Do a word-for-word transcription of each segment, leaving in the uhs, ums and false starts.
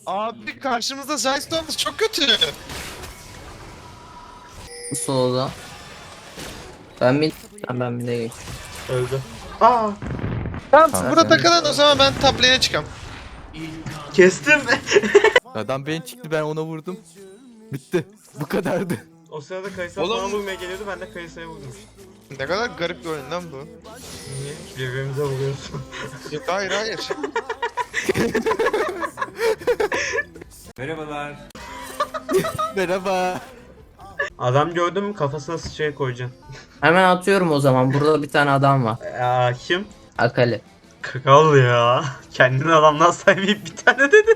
Abi karşımızda Zayt olmuş, çok kötü. Solda. Ben mi? Ben ben bir de geç. Öldü. Aa, Tamam, Tamam, burada sen- takılan o zaman ben top lane'e çıkam. kestim. Adam ben çıktı, ben ona vurdum. Bitti. Bu kadardı. O sırada Kayısa Oğlum. falan vurmaya geliyordu, ben de Kayısa'ya vurdum işte. Ne kadar garip bir oyun lan bu. Niye? Birbirimize vuruyoruz. Yok, hayır hayır. Merhaba. Adam gördün mü kafasına sıçraya koyacaksın. Hemen atıyorum o zaman. Burada bir tane adam var. Ya kim? Akali. Kral ya. Kendini adamdan saymayıp bir tane dedi.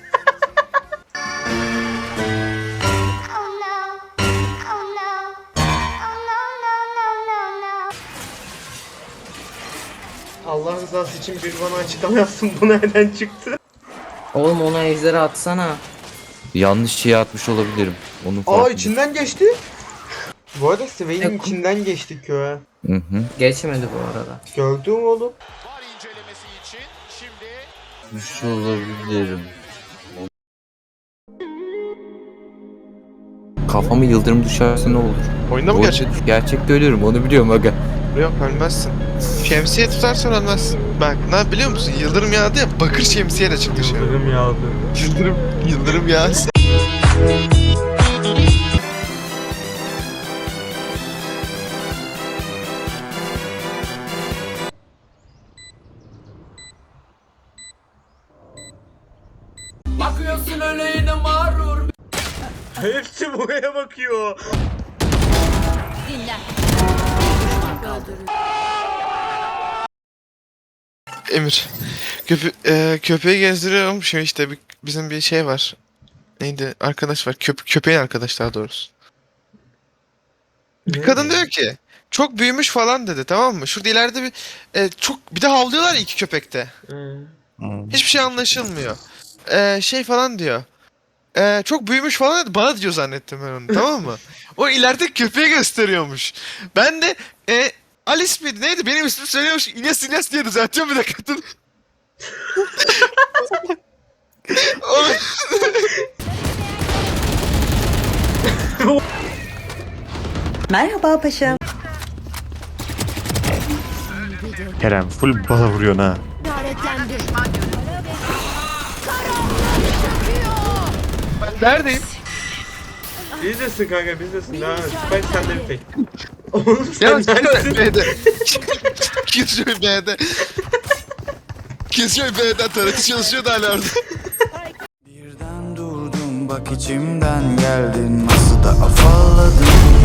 Oh no. Oh no. Oh no, no, no, no, no. Allah rızası için bir bana açıklama yapsın, bu nereden çıktı? Oğlum ona ejderi atsana. Yanlış şey atmış olabilirim. Onun Aa, farkında. içinden geçti. Bu arada Swain'in E, içinden geçti köye. Hı hı. Geçmedi bu arada. Gördün mü oğlum? Düşmüş olabilirim. Kafama yıldırım düşerse ne olur? Oyunda mı Bu- gerçek? Gerçekte ölürüm, onu biliyorum aga. Yok, ölmezsin. Şemsiye tutarsan ölmezsin. Bak, ne biliyor musun? Yıldırım yağdı ya, bakır şemsiye de çıktı şimdi. Yıldırım yağdı. Yıldırım, yıldırım yağ. Bakıyorsun öyle yine mağrur. Hepsi buraya bakıyor. Emir, köpe e, köpeği gezdiriyorum. Şimdi işte bir, bizim bir şey var. Neydi? Arkadaş var. Köp köpeğin arkadaş daha doğrusu. Bir kadın diyor ki çok büyümüş falan dedi, tamam mı? Şurada ileride bir e, çok bir de havlıyorlar ya iki köpekte. Hı. Hiçbir şey anlaşılmıyor. E, şey falan diyor. E, çok büyümüş falan dedi. Bana diyor zannettim ben onu, tamam mı? O ileride köpeği gösteriyormuş. Ben de e, Alice miydi neydi? Benim ismimi söylüyormuş. İlyas İlyas diye düzeltiyorum bir de kadın. Merhaba paşam. Kerem full bala vuruyorsun ha. Neredeyim? Bizdesin kanka, bizdesin. Devam et. Spike sende bir tek. Oğlum sen Ya neredesin? B'de. Killjoy B'de. Killjoy B'den taratı çalışıyordu hala orada. Birden durdum bak içimden geldin nasıl da afalladın